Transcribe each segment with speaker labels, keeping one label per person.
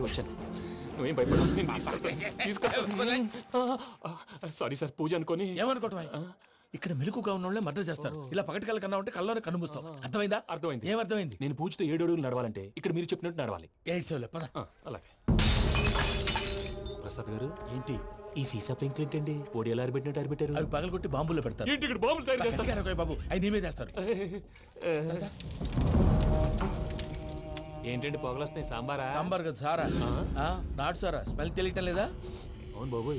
Speaker 1: వచ్చాను. నువ్వేం భయపడ. సారీ సార్, పూజ అనుకోని.
Speaker 2: ఏమనుకోవటం? ఇక్కడ మెలుకుగా ఉన్న వాళ్ళే మర్డర్ చేస్తారు. ఇలా పగటి కళ్ళ కన్నా ఉంటే కళ్ళలోనే కనుమూస్తావు. అర్థమైందా?
Speaker 1: అర్థమైంది.
Speaker 2: ఏమర్థమైంది?
Speaker 1: నేను పూజతో 7 అడుగులు నడవాలంటే ఇక్కడ మీరు చెప్పినట్టు నడవాలి.
Speaker 2: 8 సెవెన్ పద.
Speaker 1: అలాగే. ప్రసాద్ గారు,
Speaker 2: ఏంటి
Speaker 1: ఈ సీసా పెంకులు ఏంటండి? పొడి ఎలా అరబెట్టినట్టు అరబెట్టారు?
Speaker 2: అవి పగలగొట్టి బాంబుల్లో పెడతారు.
Speaker 1: ఏంటి ఇక్కడ బాంబులు తయారు చేస్తారు?
Speaker 2: బాబు అవి నీవే చేస్తారు.
Speaker 1: ఏంటండి పొగలు వస్తున్నాయి? సాంబారా?
Speaker 2: సాంబార్ కదా సారా. నాటు సారా. స్మెల్ తెలియటం లేదా?
Speaker 1: అవును బాబోయ్.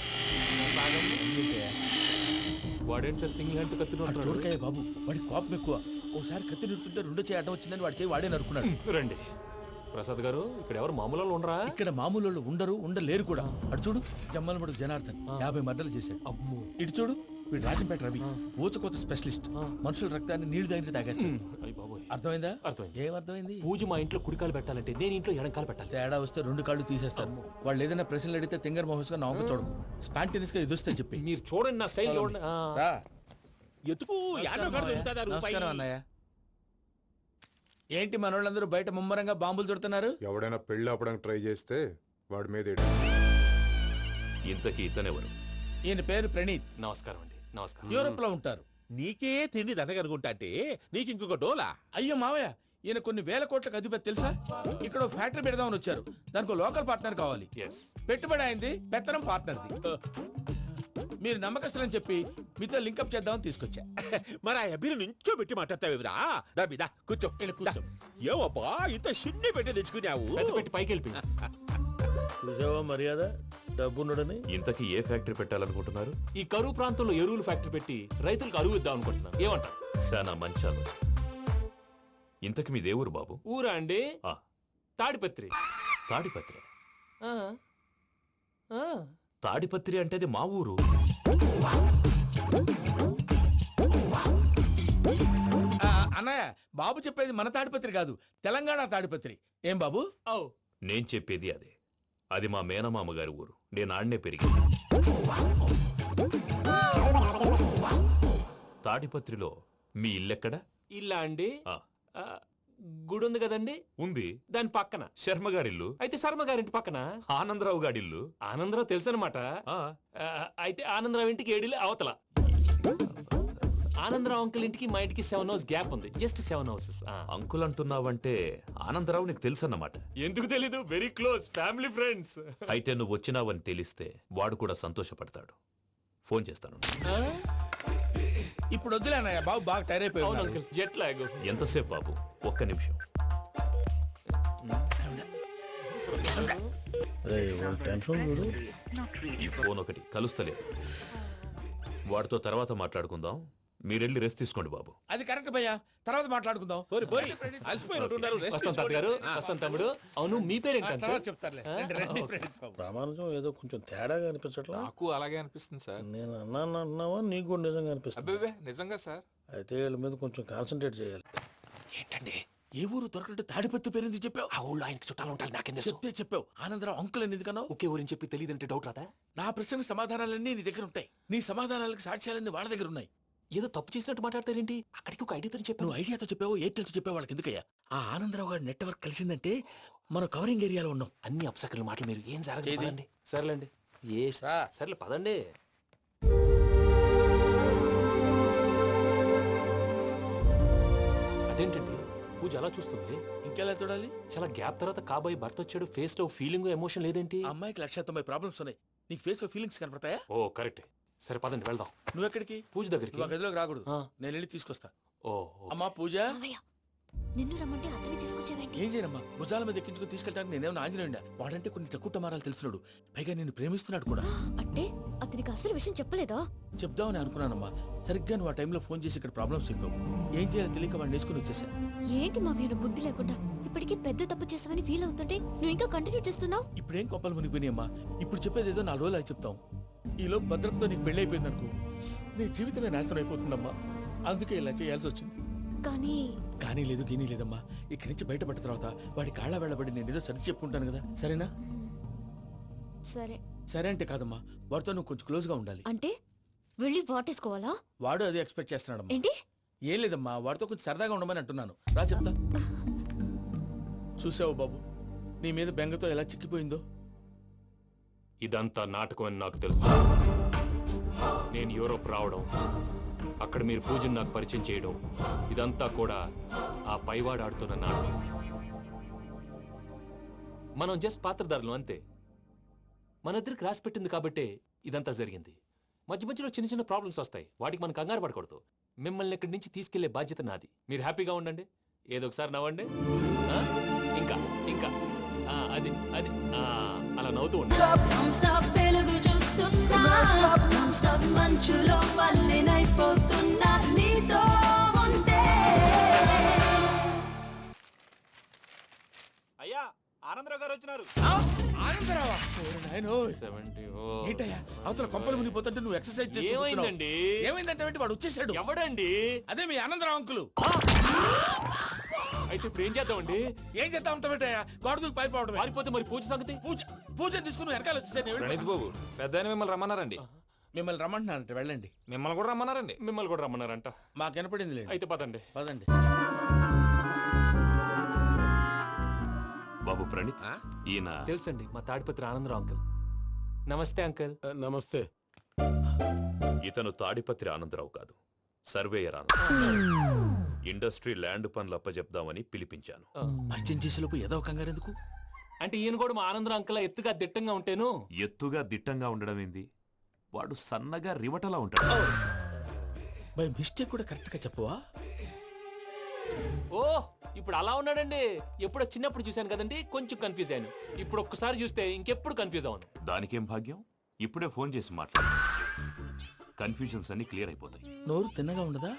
Speaker 1: వాడేంటి సార్ సింగిల్ హ్యాండ్ కత్తి
Speaker 2: చూడకాయ బాబు, వాడి కోపం ఎక్కువ. ఒకసారి కత్తి నిరుతుంటే 2 చేయి అడ్డం వచ్చిందని వాడి చేయి వాడే నరుకున్నాడు.
Speaker 1: రండి ప్రసాద్ గారు, ఇక్కడ ఎవరు మామూలు ఉండరా?
Speaker 2: ఇక్కడ మామూలు వాళ్ళు ఉండరు, ఉండలేరు కూడా. అటు చూడు, జమ్మలమడు జనార్దన్ 50 మర్డర్లు చేశాడు.
Speaker 1: అమ్మో.
Speaker 2: ఇటు చూడు, వీడు రాజంపేట రవి ఊచకోత స్పెషలిస్ట్. మనుషుల రక్తాన్ని నీళ్లు దగ్గర తాగేస్తాడు. అర్థమైందా?
Speaker 1: అర్థమైంది.
Speaker 2: ఏమర్థమైంది?
Speaker 1: పూజ మా ఇంట్లో కుడికాలు పెట్టాలంటే నేను ఇంట్లో ఎడంకాలు పెట్టాలి.
Speaker 2: తేడా వస్తే 2 కాళ్ళు తీసేస్తారు. వాళ్ళు ఏదైనా ప్రశ్నలు అడిగితే తింగర్ మహోస్ గా నవ్వు చూడకు. స్పాంటినియస్ గా ఎదుస్తే చెప్పి.
Speaker 1: మీరు చూడండి నా స్టైల్.
Speaker 3: ఎతుకు.
Speaker 2: నమస్కారం అన్నయ్య. ఏంటి మనోళ్ళందరూ బయట ముమ్మరంగా బాంబులు చుడుతున్నారు?
Speaker 4: ఎవడైనా పెళ్లి ఆపడానికి ట్రై చేస్తే వాడి మీద.
Speaker 3: ఇంతకీ ఇతనెవరు?
Speaker 2: ఈయన పేరు ప్రణీత్.
Speaker 1: నమస్కారం అండి. నమస్కారం.
Speaker 2: యూరోప్ లో ఉంటారు.
Speaker 3: నీకే తిండి దండగనుకుంటా అంటే నీకు ఇంకొక డోలా?
Speaker 2: అయ్యో మావయ్య, ఈయన కొన్ని వేల కోట్లకు అధిపతి తెలుసా? ఇక్కడ ఫ్యాక్టరీ పెడదామని వచ్చారు. దానికి లోకల్ పార్ట్నర్ కావాలి. పెట్టుబడి అయింది, పెత్తనం పార్ట్నర్ది. మీరు నమ్మకస్తులని చెప్పి మీతో లింకప్ చేద్దామని తీసుకొచ్చా.
Speaker 3: మరి ఆ అబ్బిని నుంచో పెట్టి మాట్లాడతావురా? దాబిదా కూర్చో. ఏవబ్బా ఇంత సిడ్ని పెట్టి తెచ్చుకున్నావు?
Speaker 1: పెట్టి పైకి వెళ్ళి.
Speaker 2: చూసావా మర్యాద, డబ్బున్నడని.
Speaker 3: ఇంతకీ ఏ ఫ్యాక్టరీ పెట్టాలనుకుంటున్నారు?
Speaker 1: ఈ కరువు ప్రాంతంలో ఎరువులు ఫ్యాక్టరీ పెట్టి రైతులకు అరువు ఇద్దాం అనుకుంటున్నాను. ఏమంటారు?
Speaker 3: శానా మంచాలు. ఇంతకి మీ దేవురు బాబు?
Speaker 1: ఊరా అండి? తాడిపత్రి.
Speaker 3: తాడిపత్రి? తాడిపత్రి అంటే అది మా ఊరు.
Speaker 2: అన్నయ్య, బాబు చెప్పేది మన తాడిపత్రి కాదు, తెలంగాణ తాడిపత్రి. ఏం బాబు?
Speaker 3: నేను చెప్పేది అదే. అది మా మేనమామ గారి ఊరు. నేను ఆడనే పెరిగింది. తాడిపత్రిలో మీ ఇల్లెక్కడ?
Speaker 1: ఇల్లా అండి? గుడి ఉంది కదండి.
Speaker 3: ఉంది.
Speaker 1: దాని పక్కన
Speaker 3: శర్మ గారిల్లు.
Speaker 1: అయితే శర్మ గారింటి పక్కన
Speaker 3: ఆనందరావు గారిల్లు.
Speaker 1: ఆనందరావు తెలుసు అనమాట. అయితే ఆనందరావు ఇంటికి 7 అవతల. ఆనందరావు అంకుల్ ఇంటికి మా ఇంటికి 7 hours గ్యాప్ ఉంది. Just 7 hours.
Speaker 3: అంకుల్ అంటున్నావంటే ఆనందరావు నీకు తెలుసు అన్నమాట.
Speaker 1: ఎందుకు తెలీదు? Very close family friends.
Speaker 3: అయితే నువ్వు వచ్చినావని తెలిస్తే వాడు కూడా సంతోషపడతాడు. ఫోన్ చేస్తాను.
Speaker 2: ఇప్పుడు వద్దులే అన్నయ్య, బాబు బాగా టైర్ అయిపోయాడు.
Speaker 1: Jet lag.
Speaker 3: ఎంతసేపు బాబు? ఒక్క నిమిషం. ఈ ఫోన్ ఒకటి కలుస్తలేదు. వాడితో తర్వాత మాట్లాడుకుందాం. మీరెళ్ళి రెస్ట్ తీసుకోండి బాబు.
Speaker 2: అది కరెక్ట్ భయ్యా, తర్వాత మాట్లాడుకుందాం.
Speaker 1: తమ్ముడు. అవును, మీ పేరేంటి?
Speaker 5: ప్రామాణికం ఏదో కొంచెం తేడాగా అనిపించట్లా?
Speaker 6: నాకు అలాగే అనిపిస్తుంది సార్.
Speaker 5: నేను అన్నావా నీకు కూడా నిజంగా అనిపిస్తుంది?
Speaker 6: నిజంగా సార్.
Speaker 5: అయితే వీళ్ళ మీద కొంచెం కాన్సన్ట్రేట్ చేయాలి.
Speaker 1: ఏంటండి
Speaker 2: ఏ ఊరు దొరకట్టు తాడిపత్రి పేరు ఎందుకు చెప్పావు?
Speaker 1: ఆ ఊళ్ళో ఆయనకి చుట్టాలు ఉంటారు. నాకేం
Speaker 2: చెప్తే చెప్పావు. ఆనందరావు అంకుల్ అని ఎందుకన్నావు?
Speaker 1: ఒకే ఊరిని చెప్పి తెలియదంటే డౌట్ రాదా?
Speaker 2: నా ప్రశ్నకు సమాధానాలన్నీ నీ దగ్గర ఉంటాయి. నీ సమాధానాలకు సాక్ష్యాలన్నీ వాళ్ళ దగ్గర ఉన్నాయి.
Speaker 1: ఏదో తప్పు చేసినట్టు మాట్లాడతారేంటి? అక్కడికి ఒక ఐడియాతో చెప్పావు.
Speaker 2: నువ్వు ఐడియాతో చెప్పావు, ఎయిర్టెల్తో చెప్పావు. వాళ్ళకి ఎందుకయ్యా? ఆ ఆనందరావు గారి నెట్వర్క్ కలిసిందంటే మనం కవరింగ్ ఏరియాలో ఉన్నాం.
Speaker 1: అన్ని అప్సకర్ల మాటలు మీరు ఏం జరగదండి. సర్లేండి. సర్లే పదండి. అదేంటండి పూజ అలా చూస్తుంది?
Speaker 2: ఇంకెలా చూడాలి?
Speaker 1: చాలా గ్యాప్ తర్వాత కాబోయే భర్త వచ్చాడు. ఫేస్ లో ఫీలింగ్ ఎమోషన్ లేదేంటి?
Speaker 2: అమ్మాయికి 190 ప్రాబ్లమ్స్ ఉన్నాయి. నీకు ఫేస్ లో ఫీలింగ్స్ కనపడతాయా?
Speaker 1: ఓ కరెక్ట్. సరే పదండి వెళ్దాం.
Speaker 2: నువ్వు ఎక్కడికి?
Speaker 1: పూజ దగ్గరికి.
Speaker 2: గదిలోకి రాకూడదు, నేను వెళ్ళి తీసుకొస్తా.
Speaker 1: ఓ
Speaker 2: అమ్మా పూజ,
Speaker 7: నిన్ను రమ్మంటే అతన్ని తీసుకొచ్చావేంటి?
Speaker 2: ఏం చేయనమ్మా, భుజాల మీద ఎక్కించుకుని తీసుకెళ్ళడానికి నేనేమన్నా ఆంజనేయుడా? వాడంటే కొన్ని తక్కువ టమారాలు తెలిసినాడు, పైగా నేను ప్రేమిస్తున్నాడు కూడా.
Speaker 7: అంటే అతనికి అసలు విషయం చెప్పలేదా?
Speaker 2: చెప్దామని అనుకున్నానమ్మా. సరిగ్గా నువ్వు ఆ టైంలో ఫోన్ చేసి ఇక్కడ ప్రాబ్లమ్స్ చెప్పావు. ఏం చేయాలో తెలియక వాడిని వేసుకుని వచ్చేసా.
Speaker 7: ఏంటి మా వీరు బుద్ధి లేకుండా ఇప్పటికీ పెద్ద తప్పు చేస్తావని ఫీల్ అవుతుంటే నువ్వు ఇంకా కంటిన్యూ చేస్తున్నావు.
Speaker 2: ఇప్పుడేం కోపాలు మునిగిపోయినాయమ్మా. ఇప్పుడు చెప్పేది ఏదో 4 రోజులు చెప్తాం. ఈలో భద్రతతో నీకు పెళ్లి అయిపోయింది అనుకో, నీ జీవితమే నాశనం అయిపోతుందమ్మా. అందుకే ఇలా చేయాల్సి వచ్చింది. కానీ లేదు, గీనీ లేదమ్మా. ఇక్కడి నుంచి బయటపడ్డ తర్వాత వాడి కాళ్ళ వెళ్ళబడి నేను ఏదో సరి చెప్పుకుంటాను కదా, సరేనా? సరే అంటే కాదమ్మా, వాడితో నువ్వు కొంచెం క్లోజ్ గా ఉండాలి.
Speaker 7: అంటే వెళ్ళి వాటేసుకోవాలా?
Speaker 2: వాడు అదే ఎక్స్పెక్ట్ చేస్తున్నాడమ్మా.
Speaker 7: ఏంటి?
Speaker 2: ఏం లేదమ్మా, వాడితో కొంచెం సరదాగా ఉండమని అంటున్నాను. రా చెప్తా. చూసావు బాబు, నీ మీద బెంగతో ఎలా చిక్కిపోయిందో.
Speaker 1: ఇదంతా నాటకం అని నాకు తెలుసు. నేను యూరోప్ రావడం, అక్కడ మీరు పూజను నాకు పరిచయం చేయడం, ఇదంతా కూడా ఆ పైవాడు ఆడుతున్న నాటకం. మనం జస్ట్ పాత్రధారులు అంతే. మన ఇద్దరికి రాసి పెట్టింది కాబట్టే ఇదంతా జరిగింది. మధ్య మధ్యలో చిన్న చిన్న ప్రాబ్లమ్స్ వస్తాయి, వాటికి మనం కంగారు పడకూడదు. మిమ్మల్ని ఇక్కడి నుంచి తీసుకెళ్లే బాధ్యత నాది. మీరు హ్యాపీగా ఉండండి, ఏదో ఒకసారి నవ్వండి. ఆ? ఇంకా ఇంకా అది అది అలా నవ్వుతూ ఉండండి.
Speaker 3: అయ్యా ఆనందరావు గారు వచ్చినారు.
Speaker 2: ఆనందరావా? నాయనోయ్.
Speaker 1: 70.
Speaker 2: ఏంటయ్యా అవతల కొంపలు మునిగిపోతుంటే నువ్వు ఎక్సర్సైజ్ చేస్తూ
Speaker 1: ఏమైందండి?
Speaker 2: ఏమైందంటే వాడు వచ్చేసాడు.
Speaker 1: ఎవడండి?
Speaker 2: అదే మీ ఆనందరావు అంకులు.
Speaker 1: అయితే ఇప్పుడు ఏం చేద్దామండి?
Speaker 2: ఏం చేస్తా ఉంటావేటయ్యా? గోడ దూకి పైపోవడమే.
Speaker 1: పారిపోతే మరి పూజ సంగతి?
Speaker 2: పూజ తీసుకుని వెనకాల వచ్చేసాను.
Speaker 6: ప్రణీత్ బాబు పెద్ద ఆయన మిమ్మల్ని రమ్మన్నారండి.
Speaker 2: మిమ్మల్ని రమ్మంటున్నానంటే వెళ్ళండి.
Speaker 6: మిమ్మల్ని కూడా రమ్మన్నారండి.
Speaker 1: మిమ్మల్ని కూడా రమ్మన్నారంట.
Speaker 2: మాకు వినపడింది లేదు.
Speaker 1: అయితే పదండి.
Speaker 2: పదండి.
Speaker 3: బాబు ప్రణీత్, ఈయన
Speaker 1: తెలుసండి, మా తాడిపత్రి ఆనందరావు అంకుల్. నమస్తే అంకుల్.
Speaker 5: నమస్తే.
Speaker 3: ఇతను తాడిపత్రి ఆనందరావు కాదు, సర్వేయర్ ఆనందరావు. ఇండస్ట్రీ ల్యాండ్ పనులు అప్పజెప్దామని పిలిపించాను.
Speaker 2: పరిచయం చేసేలోపు ఏదో కంగారు ఎందుకు?
Speaker 1: అంటే ఈయన కూడా మా ఆనందరావు అంకుల్ ఎత్తుగా దిట్టంగా ఉంటాను.
Speaker 3: ఎత్తుగా దిట్టంగా ఉండడం ఏంది? వాడు సన్నగా రివటలా ఉంటాడు.
Speaker 2: బై మిస్టేక్ కూడా కరెక్ట్ గా చెప్పవా?
Speaker 1: ఓ ఇప్పుడు అలా ఉన్నాడండి. ఎప్పుడో చిన్నప్పుడు చూశాను కదండి, కొంచెం కన్ఫ్యూజ్ అయ్యాను. ఇప్పుడు ఒక్కసారి చూస్తే ఇంకెప్పుడు కన్ఫ్యూజ్ అవును.
Speaker 3: దానికేం భాగ్యం, ఇప్పుడే ఫోన్ చేసి మాట్లాడు. కన్ఫ్యూజన్స్ అన్ని క్లియర్ అయిపోతాయి.
Speaker 2: నోరు తిన్నగా ఉండదా?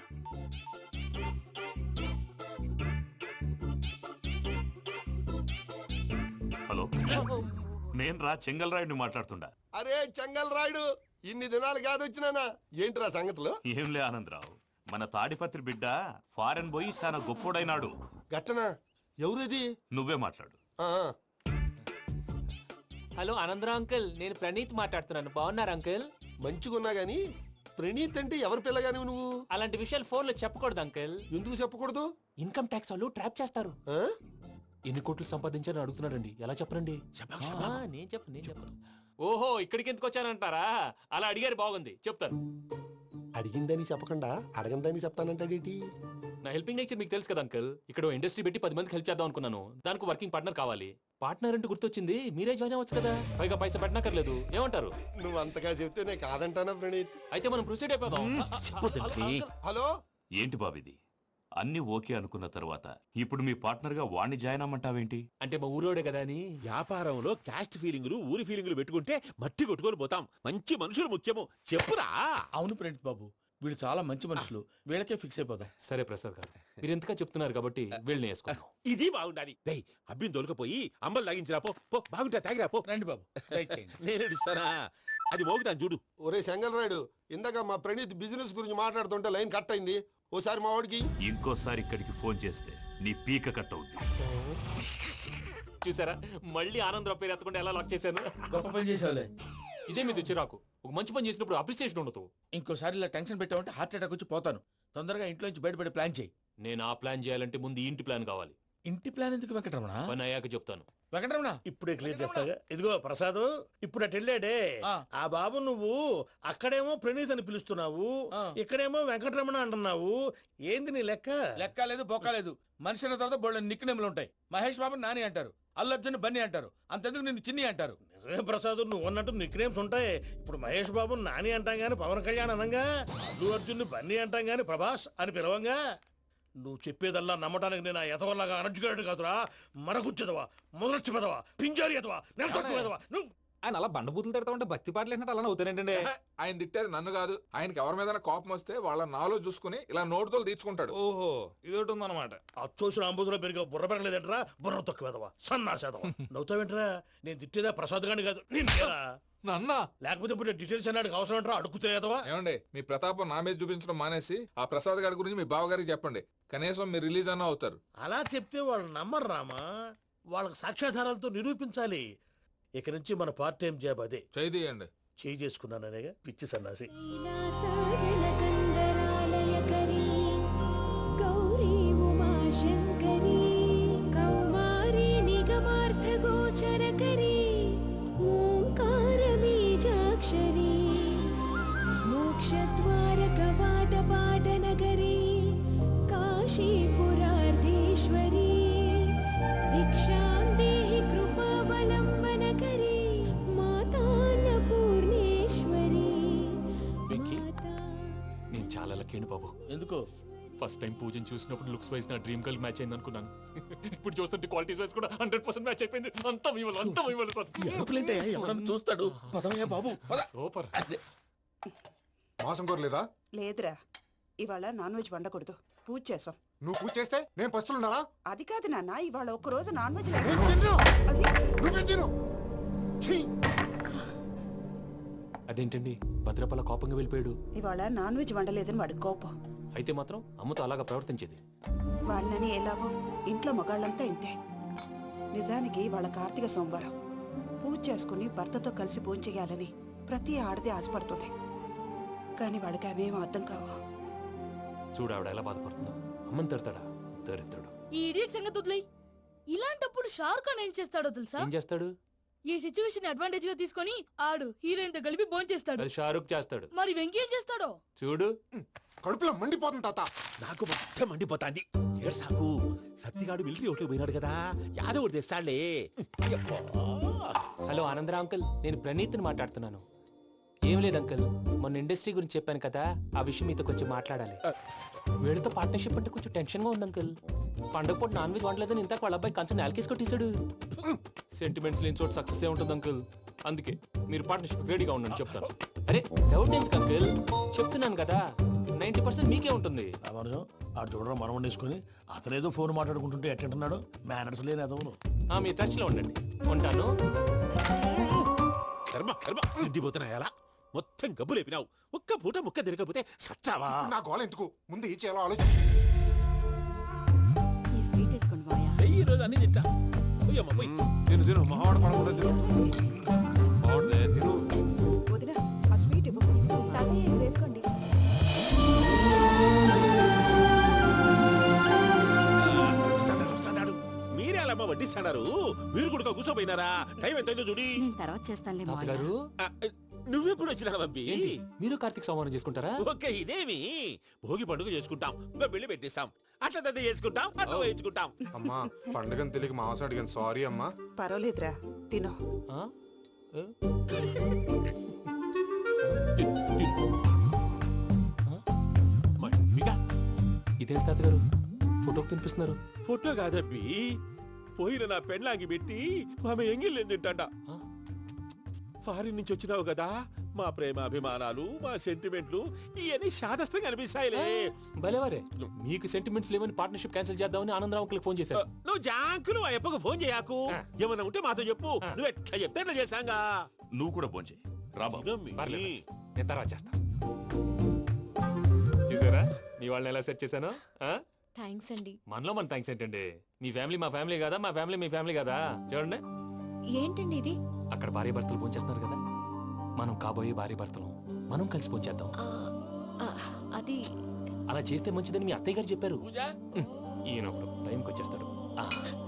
Speaker 3: హలో, నేను రా చెంగల్ రాయుడిని మాట్లాడుతుండా.
Speaker 8: అరే చెంగల్ రాయుడు, ఇన్ని దినాలు కాదు వచ్చినానా? ఏంట్రా సంగతులు?
Speaker 3: ఏంలే ఆనందరావు, మన తాడిపత్రి బిడ్డ ఫారెన్ పోయి చాలా గొప్పోడైనాడు.
Speaker 8: గట్టనా? ఎవరిది?
Speaker 3: నువ్వే మాట్లాడు.
Speaker 1: హలో ఆనందరావు అంకుల్, నేను ప్రణీత్ మాట్లాడుతున్నాను. బాగున్నారు అంకుల్?
Speaker 8: మంచిగున్నా గాని ప్రణీత్ అంటే ఎవరి పిల్లగాని నువ్వు?
Speaker 1: అలాంటి విషయాలు ఫోన్ లో చెప్పకూడదు అంకుల్.
Speaker 8: ఎందుకు చెప్పకూడదు?
Speaker 1: ఇన్కమ్ ట్యాక్స్ వాళ్ళు ట్రాప్ చేస్తారు.
Speaker 8: ఆ?
Speaker 1: ఎన్ని కోట్లు సంపాదించాలని అడుగుతున్నారండి. ఎలా చెప్పరండి? నేను చెప్పను. ఓహో, ఇక్కడికి ఎందుకు వచ్చానంటారా? అలా అడిగారు, బాగుంది, చెప్తాను.
Speaker 8: అడిగిందని చెప్పకుండా అడగందని చెప్తానంటాడేటి?
Speaker 1: నా హెల్పింగ్ నేచర్ మీకు తెలుసు కదా అంకుల్. ఇక్కడ ఇండస్ట్రీ పెట్టి 10 మందికి హెల్ప్ చేద్దాం అనుకున్నాను. దానికి వర్కింగ్ పార్ట్నర్ కావాలి. పార్ట్నర్ అంటే గుర్తొచ్చింది, మీరే జాయిన్ అవ్వచ్చు కదా. పైగా పైసా పెట్టనక్కర్లేదు. ఏమంటారు?
Speaker 8: నువ్వు అంతగా చెప్తే నేను కాదంటానా ప్రణీత్?
Speaker 1: అయితే మనం ప్రొసీడ్ అయిపోదాం.
Speaker 8: హలో,
Speaker 3: ఏంటి బాబిది? అన్ని ఓకే అనుకున్న తర్వాత ఇప్పుడు మీ పార్ట్నర్ గా వాణ్ణి జాయిన్ అమ్మంటావేంటి?
Speaker 1: అంటే మా ఊరోడే కదా అని.
Speaker 3: వ్యాపారంలో క్యాస్ట్ ఫీలింగులు, ఊరి ఫీలింగులు పెట్టుకుంటే మట్టి కొట్టుకొని పోతాం. మంచి మనుషులు ముఖ్యము, చెప్పురా.
Speaker 2: అవును ప్రణీత్ బాబు, వీళ్ళు చాలా మంచి మనుషులు. వీళ్ళకే ఫిక్స్ అయిపోదాం.
Speaker 1: సరే ప్రసాద్ గారు, మీరు ఎంతగా చెప్తున్నారు కాబట్టి వీళ్ళని వేసుకుందాం.
Speaker 3: ఇది బాగుండాలి. అబ్బిని దొలకపోయి అమ్మలు లాగించిరా పో. బాగుంటా, తాగిరా పో.
Speaker 2: రండి బాబు, దయచేయండి.
Speaker 3: నేను ఇస్తానా? అది మోగుతాను చూడు.
Speaker 8: ఒరే చెంగల్ రాయుడు, ఇందాక మా ప్రణీత్ బిజినెస్ గురించి మాట్లాడుతుంటే లైన్ కట్ అయింది. ఓసారి మా వాడికి
Speaker 3: ఇంకోసారి ఇక్కడికి ఫోన్ చేస్తే నీ పీక కట్ అవుద్ది.
Speaker 1: చూసారా, మళ్ళీ ఆనందరావు పేరు ఎత్తకుండా ఎలా లాక్ చేశాను.
Speaker 2: గొప్ప పని చేసేవాళ్ళే.
Speaker 1: ఇదే మీద చిరాకు. ఒక మంచి పని చేసినప్పుడు అప్రిసియేషన్ ఉండదు.
Speaker 2: ఇంకోసారి ఇలా టెన్షన్ పెట్టామంటే హార్ట్ అటాక్ వచ్చి పోతాను. తొందరగా ఇంట్లో నుంచి బయటపడే ప్లాన్ చేయి.
Speaker 1: నేను ఆ ప్లాన్ చేయాలంటే ముందు ఈ ఇంటి ప్లాన్ కావాలి.
Speaker 2: ఇంటి ప్లాన్ ఎందుకు వెంకటరమణ?
Speaker 1: పని అయ్యాక చెప్తాను.
Speaker 2: వెంకటరమణ
Speaker 5: ఇప్పుడే క్లియర్ చేస్తాగా. ఇదిగో ప్రసాద్, ఇప్పుడు అటు వెళ్ళాడే ఆ బాబు, నువ్వు అక్కడేమో ప్రణీత్ అని పిలుస్తున్నావు, ఇక్కడేమో వెంకటరమణ అంటున్నావు. ఏంది నీ లెక్క?
Speaker 2: లెక్క లేదు, బొక్క లేదు. మనిషి అన్న తర్వాత బోళ్ళ నిక్నెములు ఉంటాయి. మహేష్ బాబు నాని అంటారు, అల్లు అర్జున్ బన్నీ అంటారు, అంతెందుకు నిన్ను చిన్ని అంటారు.
Speaker 5: నిజమే ప్రసాద్, నువ్వు అన్నట్టు నిక్నేమ్స్ ఉంటాయి. ఇప్పుడు మహేష్ బాబు నాని అంటాం గాని పవన్ కళ్యాణ్ అనంగా, అల్లు అర్జున్ బన్నీ అంటాం గాని ప్రభాస్ అని పిలవంగా. నువ్వు చెప్పేదల్లా నమ్మటానికి నేను ఆ ఎతవల్లాగా అనర్జుకేటెడ్ కాదురా. మరగుచ్చదవా, మొదలొచ్చి పెదవా, పింజారి ఎదవా, నెలసొక్కు పెదవా. నువ్వు
Speaker 6: ఆయన అలా బండబూతులు తిడతా ఉంటే భక్తి పాటలు ఏంటంటే అలా అవుతానంటే. ఆయన తిట్టేది నన్ను కాదు, ఆయనకి ఎవరి మీద కోపం వస్తే వాళ్ళ నాలో చూసుకుని ఇలా నోటుతో తీర్చుకుంటాడు.
Speaker 5: ఓహో, ఇదొకటి ఉందన్నమాట. అచ్చోసిన అంబుధులో పెరిగే బుర్ర పెరగలేదంటరా, బుర్ర తొక్కువేదవా, సన్నాసేదవా. నవ్వుతావేంటరా? నేను తిట్టేదా ప్రసాద్ గాని కాదు, నిన్నేరా.
Speaker 6: నన్న
Speaker 5: లేకపోతే ఇప్పుడు డీటెయిల్స్ అన్నాడు అవసరం అంటారా? అడుగుతాయేదవా.
Speaker 6: ఏమండి, మీ ప్రతాపం నా మీద చూపించడం మానేసి ఆ ప్రసాద్ గారి గురించి మీ బావగారికి చెప్పండి. కనీసం మీరు రిలీజ్ అన్న అవుతారు.
Speaker 5: అలా చెప్తే వాళ్ళు నమ్మరు రామా. వాళ్ళకి సాక్ష్యాధారాలతో నిరూపించాలి. ఇక నుంచి మన పార్ట్ టైం జాబ్ అదే.
Speaker 6: చేయండి.
Speaker 5: చేయి చేసుకున్నాననేగా పిచ్చి సన్నాసి.
Speaker 7: గౌరీ ఉమాశంకరీ కౌమారీ నిగమార్థ
Speaker 9: గోచరకరీ ఓంకార బీజాక్షరీ మోక్షద్వార కవాట పాట నగరీ కాశీపురార్ధేశ్వరీ భిక్షాం దేహి కృపావలంబనకరీ మాతాన్నపూర్ణేశ్వరీ
Speaker 1: వెంకీ, నేను చాలా లక్కీని బాబు.
Speaker 2: ఎందుకో
Speaker 1: ఫస్ట్ టైం పూజను చూసినప్పుడు లుక్స్ వైజ్ నా డ్రీమ్ గర్ల్ మ్యాచ్ అయింది అనుకున్నాను. ఇప్పుడు చూస్తుంటే క్వాలిటీస్ వైజ్ కూడా 100% మ్యాచ్ అయిపోయింది. అంతా ఇవ్వాలి సార్.
Speaker 2: ఎరుపులేంటే ఎవడన్నా చూస్తాడు. పదవయ్యా బాబు పద.
Speaker 1: సూపర్.
Speaker 4: మాసం కోరలేదా?
Speaker 10: లేదురా, ఇవాళ నాన్ వెజ్ వండకూడదు. పూజ చేసాం.
Speaker 4: నువ్వు పూజ చేస్తే నేను పస్తులున్నారా?
Speaker 10: అది కాదు నాన్న, ఇవాళ ఒక్కరోజు నాన్ వెజ్
Speaker 4: నేను
Speaker 10: లేదు.
Speaker 4: తిన్ను.
Speaker 10: అది
Speaker 4: నువ్వేం తిను. ఛీ!
Speaker 1: అదేంటండి భద్రపల కోపంగా వెళ్ళిపోయాడు?
Speaker 10: ఇవాళ నాన్ వెజ్ వండలేదని వాడి కోపం.
Speaker 1: అయితే మాత్రం అమ్మతో అలాగా ప్రవర్తించేది.
Speaker 10: వాడినని ఎలాగో ఇంట్లో మగాళ్ళంతా ఇంతే. నిజానికి వాళ్ళ కార్తీక సోమవారం పూజ చేసుకుని భర్తతో కలిసి పూజ చేయాలని ప్రతి ఆడది ఆశపడుతుంది. కానీ వాళ్ళకి అవేం అర్థం కావు.
Speaker 1: చూడు ఆవిడ ఎలా బాధపడుతుందో. అమ్మని తిడతాడా దరిద్రుడు.
Speaker 9: ఈ ఇడియట్ సంగతి వదిలేయ్. ఇలాంటప్పుడు షారుఖ్ ఖాన్ ఏం చేస్తాడో తెలుసా?
Speaker 1: ఏం చేస్తాడు?
Speaker 9: ఈ సిచ్యువేషన్ అడ్వాంటేజ్ గా తీసుకొని ఆడు హీరోయిన్ తో కలిపి బోన్ చేస్తాడు.
Speaker 1: అది షారుఖ్ చేస్తాడు.
Speaker 9: మరి వెంకీ ఏం చేస్తాడో
Speaker 1: చూడు.
Speaker 4: కడుపులో మండిపోతుంది తాత.
Speaker 3: నాకు మొత్తం మండిపోతాంది. ఏడు సాకు సత్తిగాడు మిలిటరీ ఓట్లకు పోయినాడు కదా, యాదవ్ తెస్తాడులే.
Speaker 1: హలో ఆనందరా అంకుల్, నేను ప్రణీత్ని మాట్లాడుతున్నాను. ఏం లేదు అంకుల్, మొన్న ఇండస్ట్రీ గురించి చెప్పాను కదా, ఆ విషయం మీతో కొంచెం మాట్లాడాలి. వీళ్ళతో పార్ట్నర్షిప్ అంటే కొంచెం టెన్షన్ గా ఉంది అంకుల్. పండగ పూట నాన్ వెజ్ వండలేదని ఇంతకు వాళ్ళ అబ్బాయి కంచెం నేలకేసి కొట్టేశాడు. సెంటిమెంట్స్ లేని చోట సక్సెస్ ఏ ఉంటుంది అంకుల్. అందుకే మీరు పార్ట్నర్షిప్ రెడీగా ఉండండి చెప్తాను. అరే డౌట్ ఎందుకు అంకుల్, చెప్తున్నాను కదా 90% మీకే ఉంటుంది.
Speaker 5: రామానుజం ఆడు చూడడం మనం వండేసుకుని అతనేదో ఫోన్ మాట్లాడుకుంటుంటే ఎట్టంటున్నాడు. మేనర్స్ లేని అదవును.
Speaker 1: మీ టచ్ లో ఉండండి. ఉంటాను.
Speaker 3: కర్మ కర్మ తిండిపోతున్నా ఎలా మొత్తం గబ్బు లేపినావు. ఒక్క పూట ముక్క తిరగకపోతే సచ్చావా?
Speaker 4: నా గోల ఎందుకు? ముందు ఏం చేయాలో ఆలోచించు.
Speaker 9: ఈ స్వీట్ వేసుకోండి మాయా.
Speaker 3: ఈ రోజు అన్ని తింటా. పోయమ్మ పోయి.
Speaker 6: తిను మావాడు పడకుండా తిను. మావాడే తిను.
Speaker 10: వదిన ఆ స్వీట్ ఇవ్వు.
Speaker 7: తాతయ్య ఇది వేసుకోండి.
Speaker 3: వస్తాడు. మీరే అలా అమ్మ వడ్డిస్తాడారు. మీరు కూడా కూర్చోపోయినారా? టైం ఎంతైందో చూడి.
Speaker 9: నేను తర్వాత చేస్తానులే మావయ్య.
Speaker 1: తాతగారు
Speaker 3: ఆ, నువ్వెప్పుడు వచ్చినా బంపి?
Speaker 1: ఏంటి మీరు కార్తీక్ సంహారం చేసుకుంటారా?
Speaker 3: ఓకే ఇదేమి భోగి పండుగ చేసుకుంటాం, ఇంకా పెళ్లి పెట్టేస్తాం, అట్లా దద్ద చేసుకుంటాం, అట్లా వేయించుకుంటాం.
Speaker 4: అమ్మా పండుగని తెలియక మాసం అడిగాను, సారీ అమ్మా.
Speaker 10: పర్వాలేదురా, తినో.
Speaker 1: ఆ? ఏ?
Speaker 3: మమ్మీగా
Speaker 1: ఇదేంటి తాతగారు ఫోటోకి తినిపిస్తున్నారు?
Speaker 3: ఫోటో కాదబ్బి, పోయిన నా పెళ్ళాంగి పెట్టి ఆమె ఎంగిల్లేం తింటాడ.
Speaker 1: ఆ?
Speaker 3: ఫారిన్ నుంచి వచ్చినావు కదా, మా ప్రేమ అభిమానాలు మా సెంటిమెంట్లు ఇవన్నీ శాదస్తంగా అనిపిస్తాయిలే.
Speaker 1: భలేవారే, మీకు సెంటిమెంట్స్ లేవని పార్ట్నర్షిప్ క్యాన్సిల్ చేద్దామని ఆనందరావు అంకుల్ ఫోన్ చేశారు.
Speaker 3: నువ్వు జాంకులు ఆ అప్పకు ఫోన్ చేయకు.
Speaker 1: ఆ.
Speaker 3: ఏమన్నా ఉంటే మాతో చెప్పు.
Speaker 1: ఆ.
Speaker 3: నువ్వు ఎట్లా చెప్తే ఎట్లా చేశాంగా.
Speaker 11: నువ్వు కూడా ఫోన్ చేయి రాబా.
Speaker 1: పర్లేదు, నేను తర్వాత చేస్తా. చూసారా మీ వాళ్ళని ఎలా సెట్ చేశాను?
Speaker 7: థ్యాంక్స్ అండి.
Speaker 1: మనలో మన థ్యాంక్స్ ఏంటండి? మీ ఫ్యామిలీ మా ఫ్యామిలీ కదా, మా ఫ్యామిలీ మీ ఫ్యామిలీ కదా. చూడండి,
Speaker 7: ఏంటండి ఇది?
Speaker 1: అక్కడ భార్య భర్తలు ఫోన్ చేస్తున్నారు కదా, మనం కాబోయే భార్య భర్తలు మనం కలిసి ఫోన్ చేద్దాం.
Speaker 7: ఆ, ఆ, అది
Speaker 1: అలా చేస్తే మంచిదని మీ అత్తయ్య గారు చెప్పారు.
Speaker 3: పూజ
Speaker 1: ఈయన ఒకడు టైంకి వచ్చేస్తాడు.